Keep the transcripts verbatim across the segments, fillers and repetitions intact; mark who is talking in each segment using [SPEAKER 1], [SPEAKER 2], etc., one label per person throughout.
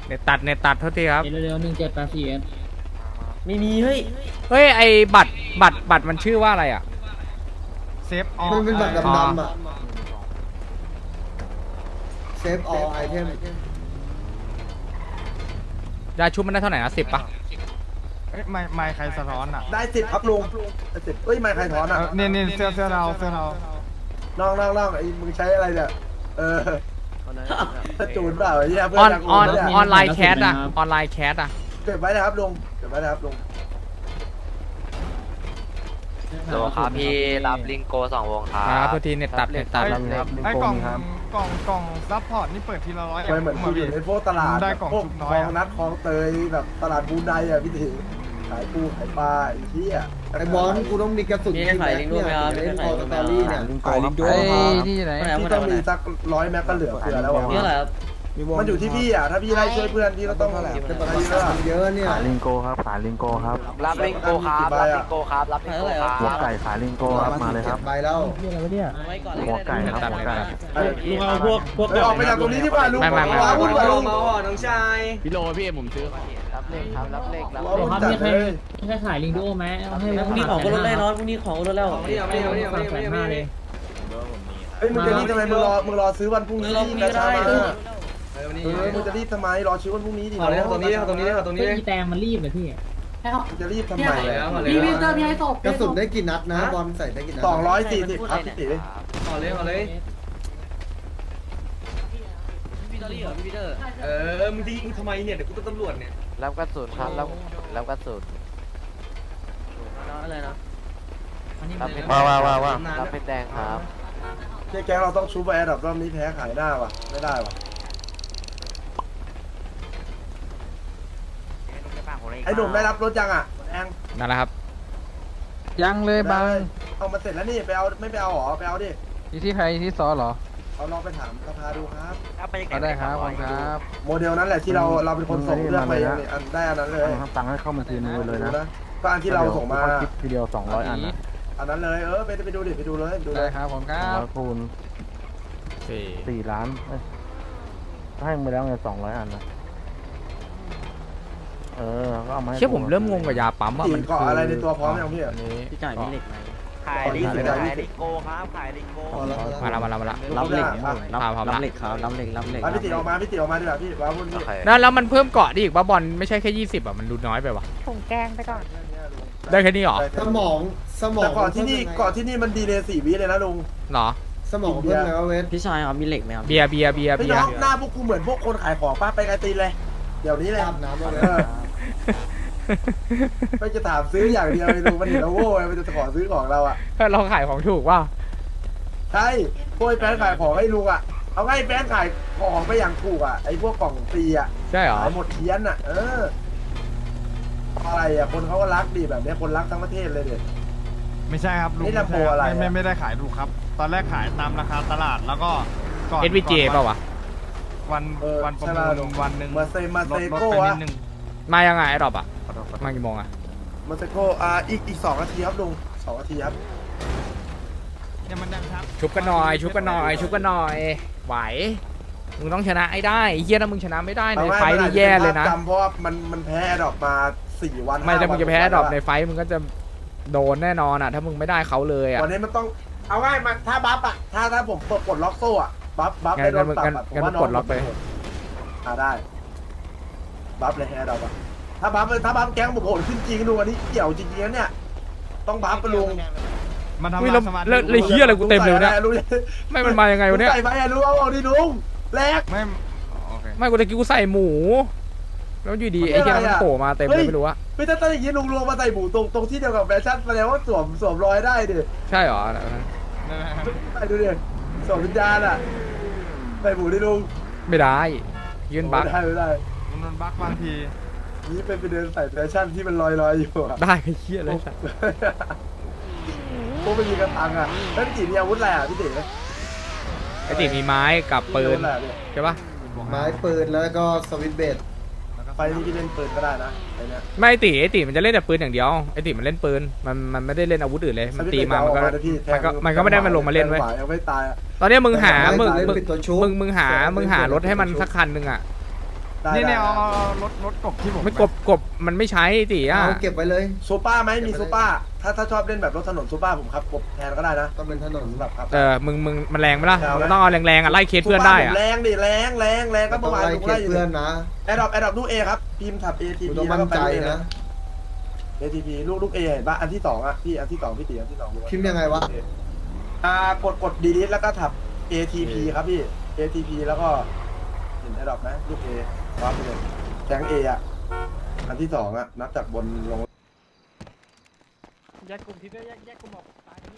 [SPEAKER 1] เน็ตตัดเน็ตตัดเท่าที่ครับ
[SPEAKER 2] เร็วๆหนึ่งเจ็ดแปดสี่เอส
[SPEAKER 3] ไม่มีเฮ้ย
[SPEAKER 1] เฮ้ยไอบัตรบัตรบัตรมันชื่อว่าอะไรอ่ะ
[SPEAKER 4] เซฟออ
[SPEAKER 5] มันเป็นบัตร
[SPEAKER 1] อ๋อ
[SPEAKER 5] ดำๆอ่ะเซฟออไอเทม
[SPEAKER 1] ยาชุบมันได้เท่าไหร่นะสิบป่ะ
[SPEAKER 4] เอ้ยไม่ไม่ใครสะท้อนอ่ะ
[SPEAKER 6] ได้สิบครับลุงได้สิบเอ้ยไม่ใครถอน
[SPEAKER 4] เอ
[SPEAKER 6] อ่ะ
[SPEAKER 4] อเนี่ยเนี่ยเสื้อเสื้อเราเสื้อเรา
[SPEAKER 6] น้องน้องน้องไอ้มึงใช้อะไรเนี่ยเออถ้าจูนเปล่าไอ้เหี้ยเพื่
[SPEAKER 1] ออน
[SPEAKER 6] น
[SPEAKER 1] ออน
[SPEAKER 6] เนี่ย
[SPEAKER 1] ออนไลน์แคสอะออนไลน์แคสอะ
[SPEAKER 6] เก็บไว้นะครับลุงเก็บไว้นะครับลุง
[SPEAKER 3] โหลครับพี่รับลิงโกสองวงครั
[SPEAKER 1] ครับ
[SPEAKER 3] บ
[SPEAKER 1] เท่าที่เน็ตตัดเน็ตตัด
[SPEAKER 4] ไอ้ไอ้กล่องกล่องกล่องซัพพอร์ตนี่เปิดทีละร้อย
[SPEAKER 6] ไปเหมือนกูอยู่ในพวกตลาด
[SPEAKER 4] ได้กล่อง
[SPEAKER 6] พวก
[SPEAKER 4] ชุบ
[SPEAKER 6] ค
[SPEAKER 4] น้
[SPEAKER 6] ล
[SPEAKER 4] อย
[SPEAKER 6] อง
[SPEAKER 4] อะ
[SPEAKER 6] นัดคลองเตยแบบตลาดบูนไดอ่ะพี่ถีขายปูขายปลาไอ้เหี้ย
[SPEAKER 5] ไอบอลกูต้องมีกระสุน
[SPEAKER 3] มีให้ขายลิงก์ด้วยไหมครับ
[SPEAKER 5] เล่น
[SPEAKER 3] มี
[SPEAKER 5] ค
[SPEAKER 3] ให้
[SPEAKER 5] อ
[SPEAKER 3] ขาย
[SPEAKER 5] ส
[SPEAKER 3] ลิงก์
[SPEAKER 5] ต
[SPEAKER 3] ด้วย
[SPEAKER 5] อรี่เนี่ย
[SPEAKER 6] ขายลิงก์ด้วย
[SPEAKER 1] ที่ไหน
[SPEAKER 6] ที่ต้องมีสักร้อยแม็กก็เหลือเฟือแล้วอ่ะ
[SPEAKER 3] นี่อะไรครับ
[SPEAKER 6] มันอยู่ที่พี่อ่ะถ้าพี่ไล่ช่วยเพื่อนพี่ก็ต้อง
[SPEAKER 5] แต่ประกันเยอะเนี่ย
[SPEAKER 7] ขายลิงโกครับขายลิงโกครับ
[SPEAKER 3] รับลิงโกครับรับลิงโกครับรับลิงโกครับ
[SPEAKER 7] หัวไก่ขายลิงโกครับมาเลยครับ
[SPEAKER 5] ใบแล้ว
[SPEAKER 3] ไว้ก่อนเลย
[SPEAKER 7] หัวไก่ครับหัวไก่
[SPEAKER 6] ลุงเอาพวกพวกออกไปจากตรงนี้ดีกว่าลุง
[SPEAKER 1] ไม่ไม่ไม่
[SPEAKER 6] ว้าวุ่นวายลุง
[SPEAKER 7] พี่โลพี่ผมซื้อ
[SPEAKER 3] รับเลขครับรับเลขรับ
[SPEAKER 6] ว้า
[SPEAKER 3] เล
[SPEAKER 6] วุ่
[SPEAKER 3] ข
[SPEAKER 6] น
[SPEAKER 2] ครับ
[SPEAKER 6] จัด
[SPEAKER 2] มีใคร
[SPEAKER 6] เลย
[SPEAKER 2] มีใครขายลิงดูโอไหมเอาให้
[SPEAKER 3] พรุ่งนี้ของก็ลดได้นอนพรุ่งนี้ของก็ลดแล้ว
[SPEAKER 2] สามแสนห้าเลย
[SPEAKER 6] เฮ้ยมึงจะรีบทำไมมึงรอมึงรอซื้อวันพรุ่งนี้
[SPEAKER 3] เราพรุ่งนี้ก็ได้
[SPEAKER 6] เออมึงจะรีบทำไมรอซื้อวันพรุ่งนี้ดิ
[SPEAKER 3] เอาเลยตรงนี้ตรงนี้ตรงนี้
[SPEAKER 2] เฮ้ยอีแตงมันรีบเลยพี่
[SPEAKER 6] มึงจะรีบทำไม
[SPEAKER 8] พี่พี่เจอพี่ไอ้ศพ
[SPEAKER 5] กระสุนได้กี่นัดนะบอลใส่ได้กี่นัด
[SPEAKER 6] สองร้อยสี่สิบครับพี่ตี
[SPEAKER 3] เอาเลยเอาเลยพี่ตอรี่เหรอพี่พีเตอร์
[SPEAKER 8] เออมึงทิ้งทำไมเนี่ยเดี๋ยวกูต้องตำรวจเนี่ย
[SPEAKER 3] รับกระสุนครับรับรับกระสุนอะไรนะรับเป็น
[SPEAKER 7] ว้าวว้าวว้าวว้าว
[SPEAKER 3] รับเป็นแดงครับ
[SPEAKER 6] เจ๊แกงเราต้องชูไปแอร์ดับรอบนี้แพ้ขายหน้าว่ะไม่ได้ว่ะไอ้หนุ่มได้รับรถยังอ่ะแอง
[SPEAKER 1] นั่นแหละครับ ยังเลยบาง
[SPEAKER 6] เอามาเสร็จแล้วนี่ไปเอาไม่ไปเอาหรอไปเอาดิ
[SPEAKER 1] ที่ที่ใครที่ซอเหรอ
[SPEAKER 6] เอาลองไปถามสภาดูครับ
[SPEAKER 1] ก็ได้ครับขอบคุณครับ
[SPEAKER 6] โมเดลนั้นแหละที่เราเราเป็นคนส่งเลือกไปเนี่ยอันได้อันนั้นเลย
[SPEAKER 7] ทำตังค์ให้เข้ามาทีนึงเลยนะ
[SPEAKER 6] ก็อันที่เราส่งมา
[SPEAKER 7] คลิปทีเดียวสองร้อยอันนะ
[SPEAKER 6] อันนั้นเลยเออไปไปดูดิไปดูเลยไปดูเล
[SPEAKER 1] ได้
[SPEAKER 6] ย
[SPEAKER 1] ครับผมค
[SPEAKER 7] ส
[SPEAKER 1] รั
[SPEAKER 7] องร้อบ ยคูณ
[SPEAKER 1] สี่
[SPEAKER 7] สี่ล้านเอ้ยให้ไปแล้วไงสองร้อยอันนะเออก็เอามาให้
[SPEAKER 1] เชื่อผมเริ่มงงกับยาปั๊มว่า
[SPEAKER 6] ตี
[SPEAKER 1] มัน
[SPEAKER 6] เกาะอะไรในตัวพร้อมยังพี่
[SPEAKER 1] อันนี้
[SPEAKER 3] พี่จ่ายมีเหล็กไหม
[SPEAKER 6] ขายลิงขายลิงโก
[SPEAKER 5] พอแล้ว
[SPEAKER 1] มาละมาละมาละ
[SPEAKER 6] รับเหล็ก
[SPEAKER 1] รับพร้อมละ
[SPEAKER 3] รับเหล็กรับเหล็ก
[SPEAKER 6] พี่ติออกมาพี่ติออกมาดีกว่าพี่ว้าวุ่นพี่
[SPEAKER 1] นั่นแล้วมันเพิ่มเกาะดิอีกว่าบอลไม่ใช่แค่ยี่สิบอ่ะมันดูน้อยไปว่ะ
[SPEAKER 8] ถุงแกงไปก่อน
[SPEAKER 1] ได้แค่นี้เหรอ
[SPEAKER 5] สมองสมอง
[SPEAKER 6] แต่ก่อนที่นี่ก่อนที่นี่มันดีเลยสี่วิเลยนะลุง
[SPEAKER 1] เหรอ
[SPEAKER 5] สมองเพิ่มแล้วเวท
[SPEAKER 3] พี่ชายครับมีเหล็กไหมครับ
[SPEAKER 1] เบียร์เบียร์เบียร์
[SPEAKER 6] พี่
[SPEAKER 1] เบีย
[SPEAKER 6] น้
[SPEAKER 1] ร์
[SPEAKER 6] องหน้าพวกกูเหมือนพวกคนขายของป้าไปไกลตีนเลย เดี๋ยวนี้เลย
[SPEAKER 5] อาบน้ำแล้ว
[SPEAKER 6] เออไม่จะถามซื้ออย่างเดียวเลยลุงมันเห็นเราโว้ยมันจะขอซื้อของเราอ่ะ
[SPEAKER 1] เราขายของถูกว่า
[SPEAKER 6] ใช่พวกไอ้แฟนขายของให้ลุงอ่ะเอาไงแฟนขายของไปอย่างถูกอ่ะไอ้พวกกล่องฟรีอ่ะ
[SPEAKER 1] ใช่เหรอ
[SPEAKER 6] ขายหมดเทียนอ่ะเอออะไรอ่ะคนเขาก็รักดีแบบนี้คนรักทั้งประเทศเลยเด็ด
[SPEAKER 4] ไม่ใช่ครับลุง
[SPEAKER 6] นี่ลำโพงอะไรอะ
[SPEAKER 4] ไม่ไม่ไม่ได้ขายถูกครับ ตอนแรกขายตามราคาตลาดแล้วก็ก่อน
[SPEAKER 1] เอสวีเจ
[SPEAKER 4] ก่อน
[SPEAKER 1] เปล่าวะ
[SPEAKER 4] วัน
[SPEAKER 6] เออ
[SPEAKER 4] วันประ
[SPEAKER 6] ใช่
[SPEAKER 4] มู
[SPEAKER 6] ป่ะ
[SPEAKER 4] ล
[SPEAKER 6] ลุง
[SPEAKER 4] วันหนึ่ง
[SPEAKER 6] มาเซมา
[SPEAKER 4] ล
[SPEAKER 6] เซ
[SPEAKER 4] ดลด
[SPEAKER 6] โก้
[SPEAKER 4] ไปนิ
[SPEAKER 6] อะ
[SPEAKER 4] ดนึง
[SPEAKER 1] มายังไงไอ้ดอกอ่ะ
[SPEAKER 4] ขอโทษขอโทษ
[SPEAKER 1] มากี่โมงอ่ะ
[SPEAKER 6] มาเซโก้อ่าอีกอีกสองนาทีครับลุงสองนาทีครับ
[SPEAKER 4] เนี่ยมันดังครับ
[SPEAKER 1] ชุบกันหน่อย ชุบกันหน่อย ชุบกันหน่อย ไหว มึงต้องชนะไอ้ได้ไอ้เหี้ยถ้ามึงชนะไม่ได้ในไฟท์นี่แย่เลยนะ
[SPEAKER 6] จำเพราะว่ามันมันแพ้ดอกมาสี่วัน
[SPEAKER 1] ไม่ถ้ามึงจะแพ้ดอกใน
[SPEAKER 6] วัน
[SPEAKER 1] ไฟท์มึงก็จะโดนแน่นอนอ่ะ ถ้ามึงไม่ได้เขาเลยอ่ะ
[SPEAKER 6] วันนี้มันต้องเอาง่ายมาถ้าบัฟอ่ะถ้าถ้าผมเปิดกดล็อกโซ่อ่ะบัฟบัฟ
[SPEAKER 1] งั้น
[SPEAKER 6] ไปโดนปรับ
[SPEAKER 1] งั้น
[SPEAKER 6] อะผม
[SPEAKER 1] งั้น
[SPEAKER 6] ว่าน้อง
[SPEAKER 1] กดล็อกไป
[SPEAKER 6] อ่าได้บัฟเลยแฮร์ดอกอ่ะถ้าบัฟถ้าบัฟแก๊งผมโหดขึ้นจริงดูอันนี้เกี่ยวจริงๆนะเนี่ยต้องบัฟไปลุง
[SPEAKER 4] มันทำ
[SPEAKER 1] อุ้ย
[SPEAKER 4] ลา
[SPEAKER 1] แล้ว
[SPEAKER 4] ยสมาธิ
[SPEAKER 1] แล้วเลยเหี้ยอะไรกูเต็มเลยเนี่ย
[SPEAKER 6] ลุง
[SPEAKER 1] ไม่มันมายังไงวะเนี่ย
[SPEAKER 6] ใส่ไปอะลุงเอาเอาดิลุงแรก
[SPEAKER 4] ไม่โอเค
[SPEAKER 1] ไม่กูตะกี้กูใส่หมู แล้วอยู่ดีไอ้เหี้ยมันโผล่มาเต็มเลยไม่รู้อะ
[SPEAKER 6] ไม่ถ้าตั้งอย่างนี้ลุงลงมาใส่หมูตรงตรงที่เดียวกับแฟชั่นแสดงว่าสวมสวมรอยได้ดิ
[SPEAKER 1] ใช่เหรอ
[SPEAKER 6] ไปดูดิสวมวิญญาณอ่ะใส่หมูดิลุง
[SPEAKER 1] ไม่ได้ ยืนบัก
[SPEAKER 6] ไม่ได้ไม่ได้
[SPEAKER 4] มันโดนบั๊กบางที
[SPEAKER 6] นี่เป็นไปเดินใส่แฟชั่นที่มันลอยๆอยู่อะ
[SPEAKER 1] ได้ไอ้เหี้ยเลยสัตว์
[SPEAKER 6] พวกไม่มีกระตังอ่ะแล้วพี่ตีมีอาวุธอะไรอ่ะพี่ตี
[SPEAKER 1] ไอ้ติมีไม้กับปืนใช่ปะ
[SPEAKER 5] ไม้ปืนแล้วก็สวิตช์เบส
[SPEAKER 6] ไฟนี่พี่เล่นปืนก็ได้นะไอ้เนี่ย
[SPEAKER 1] ไม่ไอ้ติไอ้ติมันจะเล่นแต่ปืนอย่างเดียวไอ้ติมันเล่นปืนมันมันไม่ได้เล่นอาวุธอื่นเลยมันตีมามันก็มันก็มันก็ไม่ได้มาลงมาเล่นไว้ย
[SPEAKER 6] ยังไม่ตายอ่ะ
[SPEAKER 1] ตอนเนี้ยมึงหามึง
[SPEAKER 5] เล่น
[SPEAKER 1] มึง
[SPEAKER 5] ปิดตัวชุบ
[SPEAKER 1] มึงมึงหามึงหารถให้มันสักคันหนึ่งอ่ะ
[SPEAKER 6] ไได้
[SPEAKER 4] นี่
[SPEAKER 6] ได้
[SPEAKER 4] เนี่ยเอาเอาเอารถรถกบที่ผม
[SPEAKER 1] ไม่กบกบมันไม่ใช้ตีอ่ะ
[SPEAKER 5] เอาเก็บไว้เลย
[SPEAKER 6] ซูเปอร์ไหมมีซูเปอร์ถ้าถ้าชอบเล่นแบบรถถนนซูเปอร์ผมขับกบแทนก็ได้นะ
[SPEAKER 5] ต้องเป็นถนน
[SPEAKER 6] แบบครับ
[SPEAKER 1] เออมึงมึงมันแรงไหมล่ะ
[SPEAKER 6] เอาไหม
[SPEAKER 1] มึงต้องเอาแรงๆอ่ะไล่เคสเพื่อนได้อ่ะ
[SPEAKER 6] แรงดิแรงแรงแรงก็
[SPEAKER 5] ต้
[SPEAKER 6] เมื่
[SPEAKER 5] อง
[SPEAKER 6] อวาน
[SPEAKER 5] ไล่
[SPEAKER 6] ลุง
[SPEAKER 5] เก็
[SPEAKER 6] ไล่
[SPEAKER 5] บ
[SPEAKER 6] อยู่
[SPEAKER 5] เพื่อนนะ
[SPEAKER 6] แอดดอปแอดดอปลูกเอครับพิมพ์ถับ เอ ที
[SPEAKER 5] กู
[SPEAKER 6] พี
[SPEAKER 5] ต้อง
[SPEAKER 6] แล้ว
[SPEAKER 5] มั่
[SPEAKER 6] ก็
[SPEAKER 5] น
[SPEAKER 6] ไป
[SPEAKER 5] ใจ
[SPEAKER 6] ลูก A
[SPEAKER 5] นะ
[SPEAKER 6] เอ ที พี ลูกลูกเอเห็นปะอันที่สองอ่ะพี่อันที่สองพี่ตีอันที่สอง
[SPEAKER 5] พิมพ์ยังไงวะ
[SPEAKER 6] อ่ากดกดดีลิทแล้วก็ถับ เอ ที พี ครับพี่ เอ ที พี แล้วก็เห็นแอดดอปไหมลูกเอวางไปเลยแก๊งเออ่ะอันที่สองอ่ะนับจากบนลง
[SPEAKER 2] แยกกลุ่มที่แยกแยกกลุ่มออก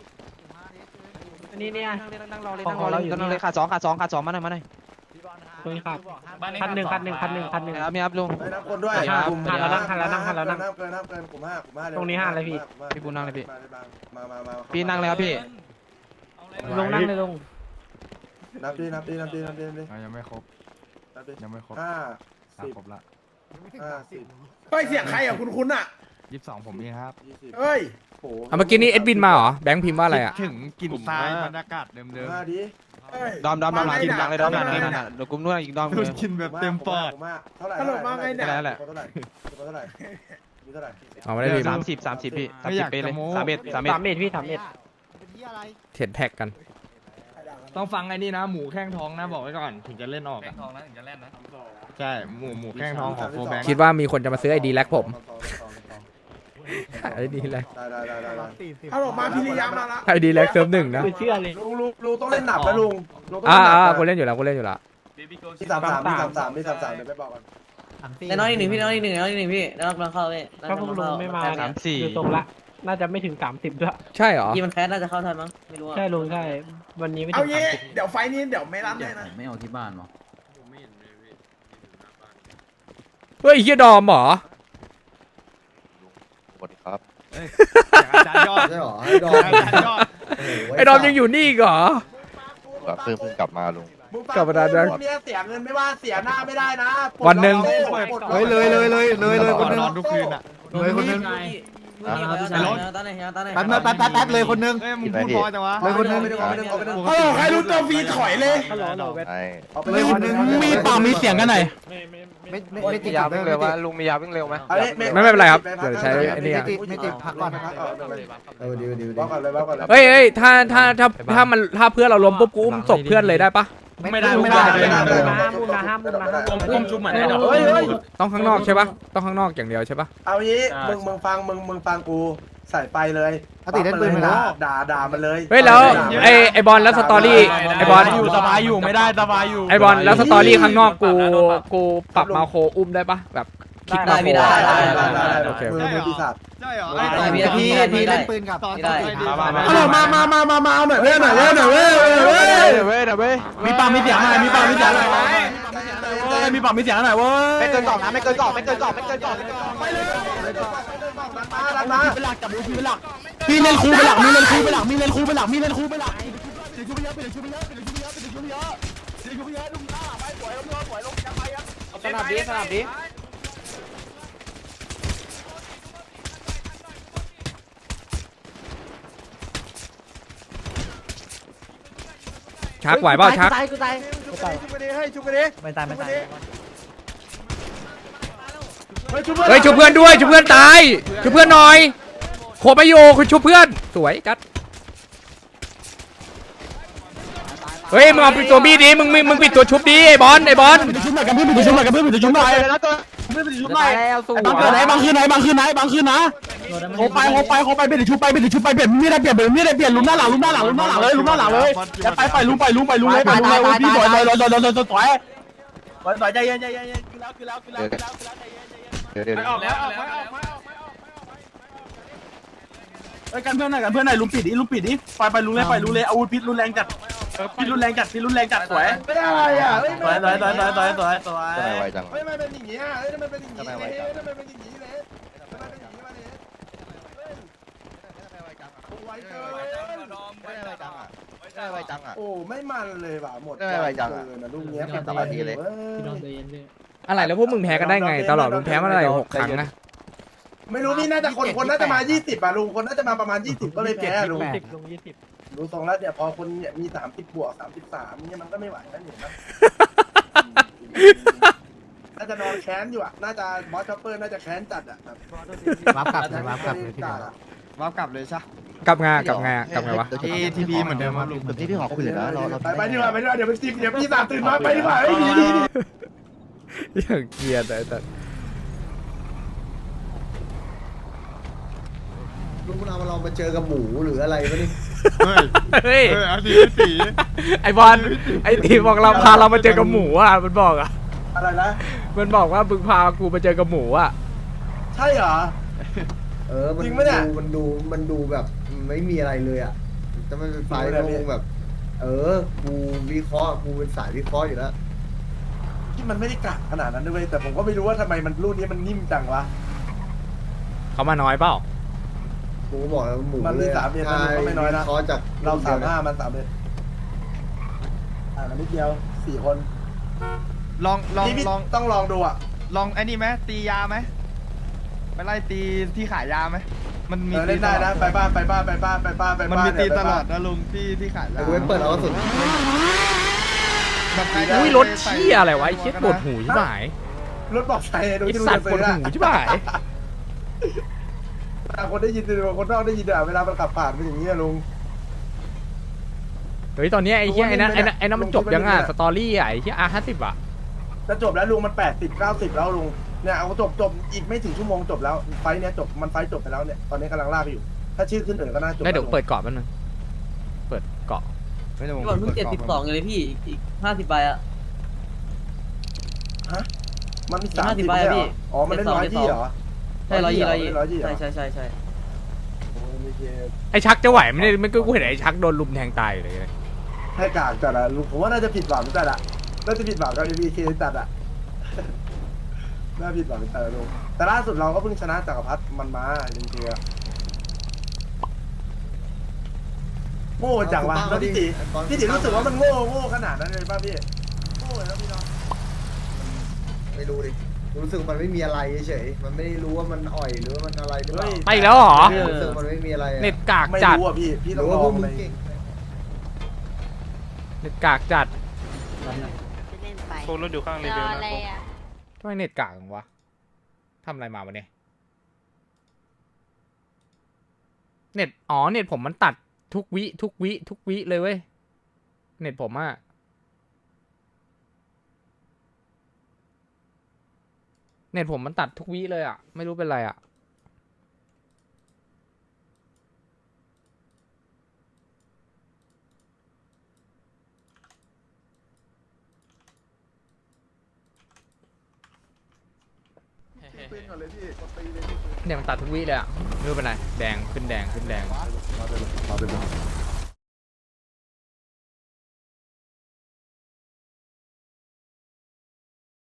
[SPEAKER 3] นี่เนี่ยนั่งรอเลย
[SPEAKER 2] ของเราอยู่นี่
[SPEAKER 3] ขาดสองขาดสองขาดสองมาหน่อยมาหน่อย
[SPEAKER 2] คุยครับพันหนึ่งพันหนึ่งพันหนึ่งพันหนึ่ง
[SPEAKER 3] ครับมีครับลุง
[SPEAKER 6] ไปนับคนด้วย
[SPEAKER 2] ห้า
[SPEAKER 6] ลุ่ม
[SPEAKER 2] ห้าแล้วนั่งห้าแล้วนั่งห้าแล้วนั่ง
[SPEAKER 6] เกินนับเกินนับเกินกลุ่มห้ากลุ่มห้าเร็ว
[SPEAKER 2] ตรงนี้ห้าเลยพี่
[SPEAKER 6] ม
[SPEAKER 3] พี่บุญนั่งเลยพี่
[SPEAKER 6] มามามามา
[SPEAKER 3] พี่นั่งเลยครับพี่
[SPEAKER 2] ลงนั่งเลยลง
[SPEAKER 6] นับดินับดินับดินับดินับดิ
[SPEAKER 4] อ่ะยังไม่ครบ
[SPEAKER 6] นับดิ
[SPEAKER 4] ยังไม่ครบ
[SPEAKER 6] ห้า
[SPEAKER 4] อ่ะ
[SPEAKER 6] สิบ
[SPEAKER 4] ครบละ
[SPEAKER 6] ห้าสิบ
[SPEAKER 9] เฮ้ยเสียงใครอ่ะคุณคุณอ่ะ
[SPEAKER 4] ยี่สิบสองผมเองครับ
[SPEAKER 6] ยี่สิบ
[SPEAKER 9] เฮ้ย
[SPEAKER 6] โอ้โห
[SPEAKER 1] เอาเมื่อกี้นี้เอ็ดวินมาเหรอแบงค์พิมพ์ว่าอะไรอ่ะ
[SPEAKER 4] คิดถึงกลิ่นทรายบรรยากาศเดิม
[SPEAKER 6] ห้าดิ
[SPEAKER 9] เฮ้ย
[SPEAKER 3] ดอมดอมดอมหลังทีมหลังเลยดอมหลัง
[SPEAKER 6] ไม่
[SPEAKER 3] นี่
[SPEAKER 6] ได้
[SPEAKER 3] นั่นน่ะเดี๋ยวกลุ่มนู้นอีกดอม
[SPEAKER 4] ๆดูกินแบบเต็มปอด
[SPEAKER 6] ผมว่าเท่าไหร่
[SPEAKER 9] ตลกมากไงเนี่ย
[SPEAKER 6] เท่าไหร่เท่าไหร่เท่าไหร่มีเท่าไหร่
[SPEAKER 1] เอาไม่ได้พิมพ์
[SPEAKER 3] สามสิบสามสิบพี่สามสิบไปเลยสามเอ็ดสามเอ็ด
[SPEAKER 2] สามเอ็ดพี่สามเอ็ด
[SPEAKER 1] เถียนแท็กกัน
[SPEAKER 4] ต้องฟังไอ้นี่นะ หมูแข้งทองนะบอกไว้ก่อนถึงจะเล่นออกอ่ะใช่หมูหมูแข้งทองของโฟแบงค์
[SPEAKER 1] คิดว่ามีคนจะมาซื้อไอดีแลกผมไอดีแลก
[SPEAKER 6] ได้ได้ได้ได้ได้
[SPEAKER 9] เอาออกมาพิริยามาละ
[SPEAKER 1] ไอดีแลกเซิร์ฟหนึ่งนะ
[SPEAKER 2] ไม่เชื่อเลย
[SPEAKER 6] ลุงลุงลุงต้องเล่นหนับนะลุงลุงต้อง
[SPEAKER 1] อ่า
[SPEAKER 6] เล่นหนั
[SPEAKER 1] อ่า
[SPEAKER 6] บ
[SPEAKER 1] กูเล่นอยู่แล้วกูเล่นอยู่แล้ว
[SPEAKER 6] มีสามสามมีสามสามมีสามสามเดี๋ยวไปบอกกัน
[SPEAKER 10] แต่น้อยอีกหนึ่งพี่น้อยอีกหนึ่งน้อยอีกหนึ่งพี่แล้วเราเข้าพี่
[SPEAKER 2] ถ้าพวกลุงไม่มา
[SPEAKER 3] สามสี่
[SPEAKER 2] ดูตรงละน่าจะไม่ถึงสามสิบด้วย
[SPEAKER 1] ใช่เหรอ
[SPEAKER 10] พี่มันแคสน่าจะเข้าทันมั้งไม่รู้อะ
[SPEAKER 2] ใช่ลุงใช่วันนี้ไม่
[SPEAKER 9] เอา
[SPEAKER 2] ถึง
[SPEAKER 9] เย่
[SPEAKER 2] สามสิบ
[SPEAKER 9] เดี๋ยวไฟนี้เดี๋ยวไม่รับเลยนะ
[SPEAKER 10] ไม่เอาที่บ้านหรอ
[SPEAKER 1] เฮ้ยเฮียดอมเหรอ
[SPEAKER 3] สวัสดีครับ
[SPEAKER 4] อาจารย์ยอด
[SPEAKER 5] ใช่เหรอให้ดอม
[SPEAKER 4] อาจารย์ยอด
[SPEAKER 5] โโห
[SPEAKER 1] ไอดอมยังอยู่นี่อีกเหรอ
[SPEAKER 3] เพิ่งเพิ่งกลับมาลุง
[SPEAKER 6] มึงฟัง
[SPEAKER 1] กลับมาได้
[SPEAKER 6] พวกเนี้ยเสียเงินไม่ว่าเสียหน้าไม่ได้นะปลด
[SPEAKER 1] วันหนึ่ง
[SPEAKER 6] ล็อกโต้ปลดล็อก
[SPEAKER 5] เฮ้ยเลยเลยเลยเลยเลยคนนึง
[SPEAKER 4] นอนทุกคืนอ่ะ
[SPEAKER 5] เลยคนนึง
[SPEAKER 10] ตอนไหนตอนไหน
[SPEAKER 5] แป๊บนึงแป๊บแป๊บแป๊บเลยคนนึง
[SPEAKER 4] เอ้ยมึงพูดพอจังวะ
[SPEAKER 5] เลยคนนึง
[SPEAKER 6] ไม่ได้ไม่ได้ไม่ได้
[SPEAKER 9] เฮ้ยใครรู้ตัวฟรีถอยเลย
[SPEAKER 2] ฮัลโหลฮัลโหลเวท
[SPEAKER 5] เลยคนนึง
[SPEAKER 1] มีปากมีเสียงกันหน่อย
[SPEAKER 2] ไม่ไม่ไม่
[SPEAKER 5] ไม่ไม่ไม่ติด
[SPEAKER 3] ยา
[SPEAKER 5] ไม่
[SPEAKER 3] วิ่ง
[SPEAKER 5] ติ
[SPEAKER 3] เร็
[SPEAKER 5] ด
[SPEAKER 3] ววะลุงมียาวิ่งเร็วไหม
[SPEAKER 6] อาล
[SPEAKER 1] ไม่ไม่เป็นไรครับเดี๋ยวใช้ไอ้นี่อะ
[SPEAKER 5] ไม่ติดไม่ติดพักก่อนนะครับเออดีดีดี
[SPEAKER 6] บอกก่อนเลยบอกก่อนเลย
[SPEAKER 1] เฮ้ยเฮ้ยถ้าถ้าถ้าถ้ามันถ้าเพื่อนเราล้มปุ๊บกูอุ้มศพเพื่อนเลยได้ปะ
[SPEAKER 5] ไม่ได้ไม่ได้
[SPEAKER 6] ไม่ได้ไม่ได้
[SPEAKER 2] ห้ามมุมนะห้ามมุมนะห้ามมุม
[SPEAKER 4] อุ้มจุ่มเหมือนไอ้ดอก
[SPEAKER 6] เฮ้ยเฮ้ย
[SPEAKER 1] ต้องข้างนอกใช่ปะต้องข้างนอกอย่างเดียวใช่ปะ
[SPEAKER 6] เอางี้มึงมึงฟังมึงมึงฟังกูใส่ไปเลย
[SPEAKER 5] ถ้าติดเล่นปืนไม่ได้
[SPEAKER 6] ด่าด่ามันเลย
[SPEAKER 1] เฮ้ยแล้วไอไอบอลแล้วสตอรี่ไอบอล
[SPEAKER 4] อยู่สบายอยู่ไม่ได้สบายอยู่
[SPEAKER 1] ไอบอลแล้วสตอรี่ข้างนอกกูกูปรับมาโคอุ้มได้ปะแบบคลิกมาโค
[SPEAKER 6] ได้ได้
[SPEAKER 1] อะ
[SPEAKER 6] ได้ได้
[SPEAKER 1] โอเค
[SPEAKER 6] มือมือปีศาจ
[SPEAKER 4] ใช่เหรอ
[SPEAKER 10] ได้พี่
[SPEAKER 5] พี่
[SPEAKER 10] ได้
[SPEAKER 5] พี่
[SPEAKER 10] พี่ได้
[SPEAKER 5] เล่นปืนกับ
[SPEAKER 10] ไม่ได้
[SPEAKER 9] เอาหน่อยมามามามามาเอาหน่อยเว้ยหน่อยเว้ยหน่อยเว้ยเว้ย
[SPEAKER 3] เดี๋ยวเว้ยเดี๋ยวเว้ย
[SPEAKER 1] มีปากมีเสียงหน่อยมีปากมีเสียงหน่อยมีปากมีเสียงหน่อยเว้ย
[SPEAKER 3] ไม่เกินสองนะไม่เกินสองไม่เกินสองไม่เกินสอง
[SPEAKER 6] ไปเลยมาดันมา
[SPEAKER 1] เป็นหลักจับมือเป็นหลักมีเล่นคูเป็นหลักมีเล่นคูเป็นหลักมีเล่นคูเป็นหลักมีเล่นคูเป็นหลัก
[SPEAKER 3] สนับดีสนับดี
[SPEAKER 1] ชักไหวเปล่าชัก
[SPEAKER 9] ชุบไปดิให้ชุบไปดิ
[SPEAKER 2] ไม่ตายไม่ตาย
[SPEAKER 9] เฮ้ยชุบ
[SPEAKER 1] เฮ้ยช่วยเพื่อนด้วยช่วยเพื่อนตายช่วยเพื่อนหน่อยโคไปโยคุณช่วยเพื่อนสวยกัดเฮ้ยมึงเอาปิดตัวบี้ดิมึงมึงมึงปิดตัวชุบดิไอ้บอลไอ้บอล
[SPEAKER 2] ชุบหน่อยกันเพื่อนปิดชุบหน่อยกันเพื่อนปิดชุบหน่อย
[SPEAKER 3] เลยนะตัว
[SPEAKER 2] ชุบหน่อย
[SPEAKER 3] แล้วสู้
[SPEAKER 2] บางคืนไหนบางคืนไหนบางคืนไหนบางคืนนะโคไปโคไปโคไปเปลี่ยนชุบไปเปลี่ยนชุบไปเปลี่ยนมีได้เปลี่ยนเปลี่ยนมีได้เปลี่ยนลุมหน้าหลังลุมหน้าหลังลุมหน้าหลังเลยลุมหน้าหลังเลยจะไปไปลุมไปลุมไปลุมเลยไปลุมเลยพี่ต่อยต่อยต่อยต่อยต่อยต่อยต่อยต่อยใจเย็นใจเย็นใจเย็นคือแล้วคือแล้วคือแล้วคือแล้วคือแล้วใจเย็นใจเย็น
[SPEAKER 3] เดี๋ยวเดี๋ยว
[SPEAKER 4] ออกแล้วออกแล้วออกแล้ว
[SPEAKER 2] เฮ้ยกันเพื่อนหน่อยกันเพื่อนหน่อยลุมปิดดิลุมปิดดิไปไปลุมเลยไปลุมเลยอาวุธพิษรุนแรงจัดพิษรุนแรงจัดพิษรุนแรงจัดสวย
[SPEAKER 6] ไม่ได้อะไรอ่ะเฮ้ย
[SPEAKER 2] สวยสวยสวยสวยสวยสวยสวย
[SPEAKER 3] ทำไมไวจัง
[SPEAKER 6] เฮ้ยมันเป็นอย่างงี้อ่ะเฮ้ยมันเป็นอย่างงี้เลยเฮ้ยมันเป็นอย่างงี้เลยมันเป็นอย่างงี้มาเลยไวเกิน
[SPEAKER 3] ได้ไวจังอ่ะ
[SPEAKER 6] โอ้ไม่มันเลยว่ะหมด
[SPEAKER 3] ได้ไวจังอะ
[SPEAKER 6] นะลูกเนี้ย
[SPEAKER 3] สบายดีเลย
[SPEAKER 2] พี่น้องใจเย็นด้วย
[SPEAKER 1] อะไรแล้วพวกมึงแพ้กันได้ไงตลอดมึงแพ้มาอะไรหกครั้งนะ
[SPEAKER 6] ไม่รู้นี่น่าจะคนคนน่าจะมายี่สิบอ่ะลุงคนน่าจะมาประมาณยี่สิบก็เลยแพ้ลุง
[SPEAKER 2] สิบลงยี่สิบ
[SPEAKER 6] ดูทรงแล้วเนี่ยพอคนเนี่ยมีสามสิบบวกสามสิบสามเนี่ยมันก็ไม่ไหวแล้วเนี่ยนะน่าจะจะนอนแค้นอยู่อ่ะน่าจะบอสช็อปเปอร์น่าจะแค้นจัดอ่ะแบบ
[SPEAKER 5] วับกลับเลยวับกลับเลยพี่
[SPEAKER 6] จั
[SPEAKER 5] เดี
[SPEAKER 6] ด
[SPEAKER 5] ยว
[SPEAKER 6] อะ
[SPEAKER 4] วาร์ปกลับเลยใช่
[SPEAKER 1] กลับไงกลับไงกลับไงวะ
[SPEAKER 4] เอทีพีเหมือนเดิมครับลุง
[SPEAKER 5] ที่พี่ขอคุยเลยนะเราเรา
[SPEAKER 6] ไปไปดีกว่าไปดีกว่าเดี๋ยวมันจิบเดี๋ยวพี่สามตื่นมาไปดีกว่าไอ้ดีดีดี
[SPEAKER 1] อย่างเกลียดแต่แต่
[SPEAKER 5] ลุงเราเรามาเจอกับหมูหรืออะไรวะนี่
[SPEAKER 4] เฮ้ย
[SPEAKER 1] เฮ้ย
[SPEAKER 4] เออเอาสีสี
[SPEAKER 1] ไอบอลไอตีบอกเราพาเรามาเจอกับหมูอ่ะมันบอกอ่ะ
[SPEAKER 6] อะไรนะ
[SPEAKER 1] มันบอกว่ามึงพากูมาเจอกับหมูอ่ะ
[SPEAKER 6] ใช่เหรอ
[SPEAKER 5] เออมัน
[SPEAKER 6] จริงปะเนี่ย
[SPEAKER 5] ดูมันดูมันดูแบบไม่มีอะไรเลยอ่ะจะไม่เป็นไฟ
[SPEAKER 6] จริงปะเนี่ย
[SPEAKER 5] ล
[SPEAKER 6] พี่
[SPEAKER 5] งแบบ เออกูวิเคราะห์กูเป็นสายวิเคราะห์อยู่แล้ว
[SPEAKER 6] ที่มันไม่ได้กะขนาดนั้นด้วยแต่ผมก็ไม่รู้ว่าทำไมมันรุ่นนี้มันนิ่มจังวะ
[SPEAKER 1] เขามาน้อยเปล่า
[SPEAKER 5] กูก็บอกแล้วหมู
[SPEAKER 6] มันมี
[SPEAKER 5] เลย
[SPEAKER 6] สามเดือนนะมันก็ไม่น้อยนะ
[SPEAKER 5] วิเคราะห์จาก
[SPEAKER 6] เราสามห้ามันสามเอ็ดอ่านิดเดียวสี่คน
[SPEAKER 4] ลองลอง
[SPEAKER 6] พี่พี่
[SPEAKER 4] ลอง
[SPEAKER 6] ต้องลองดูอ่ะ
[SPEAKER 4] ลองไอ้นี่ไหมตียาไหมไปไล่ตีที่ขายยาไหมมันมี
[SPEAKER 6] เออเล่นได้นะ
[SPEAKER 4] ตลอ
[SPEAKER 6] ไปบ้านไปบ้านไปบ้านไปบ้านไป
[SPEAKER 4] มัน
[SPEAKER 6] บ้าน
[SPEAKER 4] มีตี
[SPEAKER 6] เนี่ย
[SPEAKER 4] ต
[SPEAKER 6] ไป
[SPEAKER 4] ล
[SPEAKER 6] บ้า
[SPEAKER 4] อน ดนะลุงที่ที่ขาย
[SPEAKER 5] แต่
[SPEAKER 4] ยา
[SPEAKER 5] กูไม่เปิดเอากระสุน
[SPEAKER 4] แบบใค
[SPEAKER 1] อุ้ยรถเชี่ยอะไรวะไอ้เชี่ยปวดหูชิบหาย
[SPEAKER 6] รถบอกใช้ดู
[SPEAKER 1] ไอ้
[SPEAKER 6] ที่ดู
[SPEAKER 1] สัต
[SPEAKER 6] จะ
[SPEAKER 1] ว์ป
[SPEAKER 6] ซื้
[SPEAKER 1] วด
[SPEAKER 6] อ
[SPEAKER 1] หู
[SPEAKER 6] อะ
[SPEAKER 1] ชิบหาย
[SPEAKER 6] แต่คนได้ยินหรือคนนอกได้ยินอะเวลามันขับผ่านเป็นอย่างนี้อะลุง
[SPEAKER 1] เฮ้ยตอนเนี้ยไอ้เชี่ยไอ้นั่นไอ้นั่นไอ้นั่นมันจบยังอ่ะ
[SPEAKER 6] ลงคลิปไว้ด้วย
[SPEAKER 1] สตอรี่อ่ะไอ้เชี่ยอาร์ห้าสิบอ่ะ
[SPEAKER 6] จะจบแล้วลุงมันแปดสิบเก้าสิบแล้วลุงเนี่ยเอาจบจบอีกไม่ถึงชั่วโมงจบแล้วไฟท์เนี้ยจบมันไฟท์จบไปแล้วเนี่ยตอนนี้กำลังลากอยู่ ถ้าชื่อขึ้นเออก็น่าจบ
[SPEAKER 1] ได้เดี๋ยวเปิดเกาะแป๊บนึงเปิดเกาะ
[SPEAKER 4] ไม่ได้ผม
[SPEAKER 10] พี่บอลเพิ่งเจ็ดสิบสองอยู่เลยพี่อีกอีกห้าสิบใบอะ
[SPEAKER 6] ฮะมันมีสาม
[SPEAKER 10] ห้าสิ
[SPEAKER 6] สิ
[SPEAKER 10] บบ ใบ
[SPEAKER 6] ใช่
[SPEAKER 10] อะ
[SPEAKER 6] เหร
[SPEAKER 10] พี่
[SPEAKER 6] ออ๋อมันได้ร้อยที่เหรอ
[SPEAKER 10] ใช่ร้อยยี่ร้อยยี่
[SPEAKER 6] ร้อยยี่เหรอ
[SPEAKER 10] ใช่ใช่ใช่ใช่
[SPEAKER 6] โอ้ยไม่เกี่ยว
[SPEAKER 1] ไอ้ชักจะไหวไหมเนี่ยไม่กูเห็นไอ้ชักโดนลุมแทงตายอยู่เลย
[SPEAKER 6] ให้กากจัดอะลุงผมว่าน่าจะผิดหวังจัดอะน่าจะผิดหวังกับ เอ็ม บี เค จัดอะ น่าผิดหวังจัดอะลุงแต่ล่าสุดเราก็เพิ่งชนะจักรพรรดิมันมาจริงๆอะโง่จังวะแล้วพี่ติพี่ติรู้สึกว่ามันโง่โง่ขนาดนั้นเลยป่ะพี่โง่เลยแล้วพี่เนาะ
[SPEAKER 5] ไม่รู้ดิรู้สึกมันไม่มีอะไรเฉยมันไม่ได้รู้ว่ามันอ่อยหรือว่ามันอะไรหรือเปล่า
[SPEAKER 1] ไปอีกแล้วเหรอ
[SPEAKER 5] รู้สึกมันไม่มีอะไรอะ
[SPEAKER 1] เน็ตกาก
[SPEAKER 6] ไม่
[SPEAKER 1] จัด
[SPEAKER 6] รู้อ่ะพี่พี่
[SPEAKER 5] ห
[SPEAKER 6] ต้
[SPEAKER 5] รือ อง
[SPEAKER 6] ล
[SPEAKER 5] ว่า
[SPEAKER 6] อ
[SPEAKER 5] พว
[SPEAKER 6] ง
[SPEAKER 5] กมึ
[SPEAKER 6] เล
[SPEAKER 5] ง
[SPEAKER 6] ย
[SPEAKER 5] เก่ง
[SPEAKER 1] เน็ตกากจัด
[SPEAKER 8] เล่นไป
[SPEAKER 4] โครถอยู่ข้างเล
[SPEAKER 8] ร
[SPEAKER 4] เว
[SPEAKER 8] อ
[SPEAKER 4] ล
[SPEAKER 8] อะไร
[SPEAKER 4] นะ
[SPEAKER 8] อ่ะ
[SPEAKER 1] ทำไมเน็ตกากจังวะทำอะไรมาวะเนี่ยเน็ตอ๋อเน็ตผมมันตัดทุกวิทุกวิทุกวิเลยเว้ยเน็ตผมอะเน็ตผมมันตัดทุกวิเลยอะไม่รู้เป็นไรอะเนี่ยมันตัดทุกวิเลยอะไม่รู้เป็นไรแดงขึ้นแดงขึ้นแดง
[SPEAKER 6] มาเป็นมาเป็น